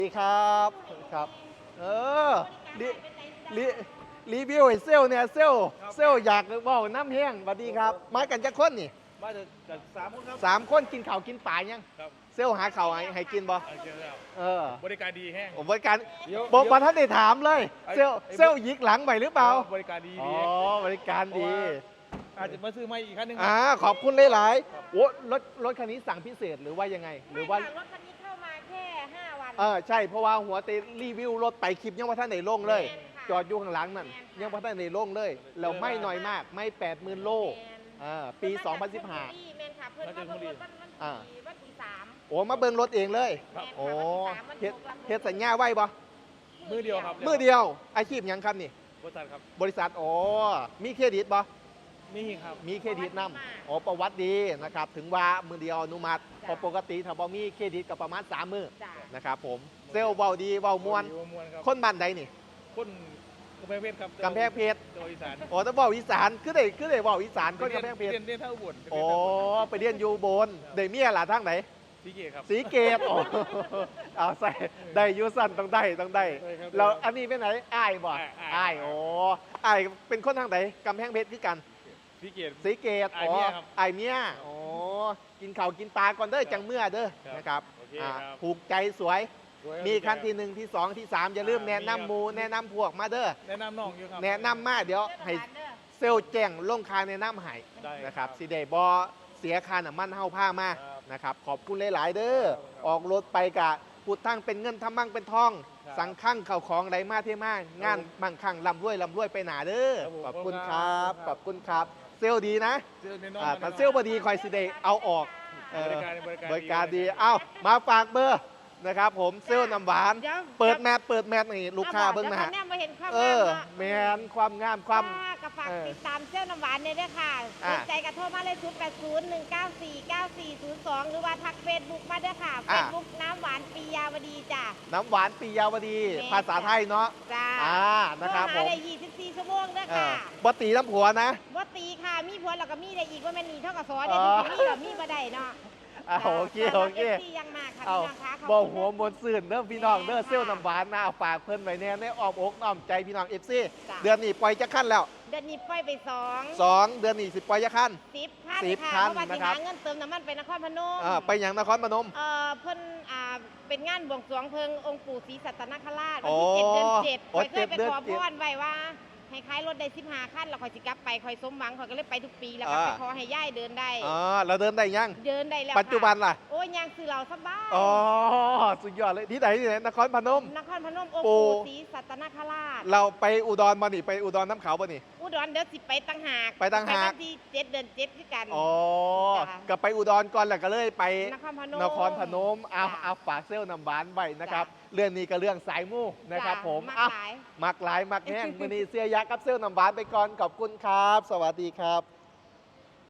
ดีครับครับเออรีรีรีวิวไอ้เซลเนี่ยเซลอยากบอกน้ำแห้งสวัสดีครับมากันจะคนนี่มาจาก3 คนครับ 3 คนกินข้าวกินปลายังครับเซลหาข้าวให้กินบ่เจอแล้วเออบริการดีแห้งผมบริการเดี๋ยวบอกมาท่านได้ถามเลยไอ้เซลยิกหลังไปหรือเปล่าบริการดีอ๋อดีบริการดีอาจจะมาซื้อไม่อีกคันหนึงขอบคุณหลายๆโอ้รถคันนี้สั่งพิเศษหรือว่ายังไงหรือว่าไม่ค่ะรถคันนี้เข้ามาแค่5 วันใช่เพราะว่าหัวเตรีวิวรถไปคลิปยังว่าท่านไหนลงเลยแม่นค่ะจอดอยู่ข้างหลังนั่นแม่นค่ะยังว่าท่านไหนลงเลยเราไม่น้อยมากไม่80,000 โล ปี 2015 แม่นค่ะเพิ่นมาเบิ่งรถวันที่3 โอ้มาเบิ่งรถเองเลยครับโอ้วันเฮ็ที่ด 3วันที่เฮ็ดสัญญาไว้บ่มือเดียวครับมือเดียวอาชีพหยังครับนี่บริษัทครับบริษัทโอ้มีเครดิตบ่มีครับมีเครดิตนำโอ้ประวัติดีนะครับถึงว่ามือเดียวอนุมัติเพอปกติถ้าบ่มีเครดิตก็ประมาณ3 มื้อจ้ะนะครับผมเซลล์เว้าดีเว้ามวนมวนครับคนบ้านใดนี่คนกำแพงเพชรครับกำแพงเพชรจังหวัดอีสานโอ้ถ้าเว้าอีสานคือได้เว้าอีสานคนกำแพงเพชรเรียนเท่าอุบลโอ้ไปเรียนอยู่บนได้เมียล่ะทางไหนสีเกตครับสีเกตโอ้ เอาใส่ได้อยูสันต้องได้ได้ครับเราอันนี้เป็นไหนอ้ายบ่อ้ายอ้ายโอ้อ้ายเป็นคนทางไหนกำแพงเพชรคือกันสีเกตสีเกตอ้ายเมียครับอ้ายเมียโอ้กินข้าวกินปลาก่อนเด้อจังเมื่อเด้อครับนะครับโอเคอ่าครับผูกใจสวยสวยมีขั้นที่ครับ 1ที่2ที่3อย่าลืมแนะนำหมูแนะนำพวกมาเด้อแนะนำน้องอยู่ครับแนะนำมาเดี๋ยวให้เซลล์แจ้งลงคาแนะนำให้ได้นะครับครับสิได้บ่เสียค่าน้ำมันเฮาผ้ามาครับนะครับขอบคุณหลาย ๆ เด้อครับออกรถไปกะพุดทั้งเป็นเงินทำมั่งเป็นทองครับสังคั่งเข่าของไรมาเท่มากงานมั่งคั่งลำรวยไปหนาเด้อครับผมขอบคุณครับครับขอบคุณครับ เซลลดีนะเจอแน่นอนถ้าเซลลบดีคอยสิเดเอาออกเออบริการดีเอ้ามาฝากเบอร์นะครับผมเซลลน้ำหวานดี๋ยวเปิดแมทนี่ลูกค้าเบิ้งนะฮะดี๋ยวเขาแนมมาเห็นความเองามอเนาะแมนความงามความค่ะก็ฝากเออติดตามเซี่ยวน้ำหวานเนี่ยด้วยค่ะอ่ะสนใจกระโทรมาเลย0801949402 หรือว่าทักเฟซบุ๊กมาด้วยค่ะ เฟอ่ะซบุ๊กน้ำหวานปียาวดีจ้ะน้ำหวานปียาวดีแม่นภาษาไทยเนาะจ้านะครับโทผหาม ได้24 ชั่วโมงด้วยเอค่ะอบตีน้ำผัวนะว่าตีค่ะ มีผัวแล้วก็มีได้อีกว่าแม่นหนีเท่ากับซอเดี๋ยวอ๋อมีแบบมีบ่ได้เนาะโอเคโอเคที่ยังมากค่ะเอาพี่น้องคะขบอกคุณหัวมนต์ซื่นเด้อพี่น้องเด้อเซลลน้ำหวานหน้าฝากเพิ่นไว้แน่ในอ้อมอกอ้อมใจพี่น้องเอฟซีจ้ะเดือนนี้ปล่อยจะขั้นแล้วเดือนนี้ปล่อยไป2 2 เดือนนี้สิปล่อยจะขั้น 10 คัน 10 ค่ะคันเพราะว่าสินะครับหาเงินเติมน้ำมันไปนครพนมไปอย่างนครพนมเพิ่นเป็นงานบวงสรวงเพิงองค์ปู่ศรีสัตนคราชอ๋วันอที่7 เดือน 7 อ๋อข่อยเคยไป 7เดือนขอ 7 พรไว้ว่า ให้ขายรถได้15 คันแล้วข่อยสิกลับไปข่อยสมหวังข่อยก็เลยไปทุกปีแล้วก็ไปขอให้ย่ายเดินได้เราเดินได้ยังเดินได้แล้วปัจจุบันล่ะโอ้ยยังซื้อเราสบายอ๋อสุดยอดเลยที่ไหนนครพนมนครพนมองค์ปู่ปู่ศรีสัตนคราชเราไปอุดรมานี่ไปอุดรน้ำเขาป่ะนี่อุดรเดี๋ยวสิไปตั้งหากไปต่างหากวันที่7 เดือน 7คือกันอ๋อจ้ะก็ไปอุดรก่อนแล้วก็เลยไปนครพนมนครพนมเอาจ้ะเอาฝากเซลลน้ำหวานไว้นะครับจ้ะเรื่องนี้ก็เรื่องสายมู่นะครับจ้ะผมมักอ่ะหลายมักหลายมักแห้ง มือนี้เสียยักษ์กับเซลลน้ำหวานไปก่อนขอบคุณครับ สวัสดีครับ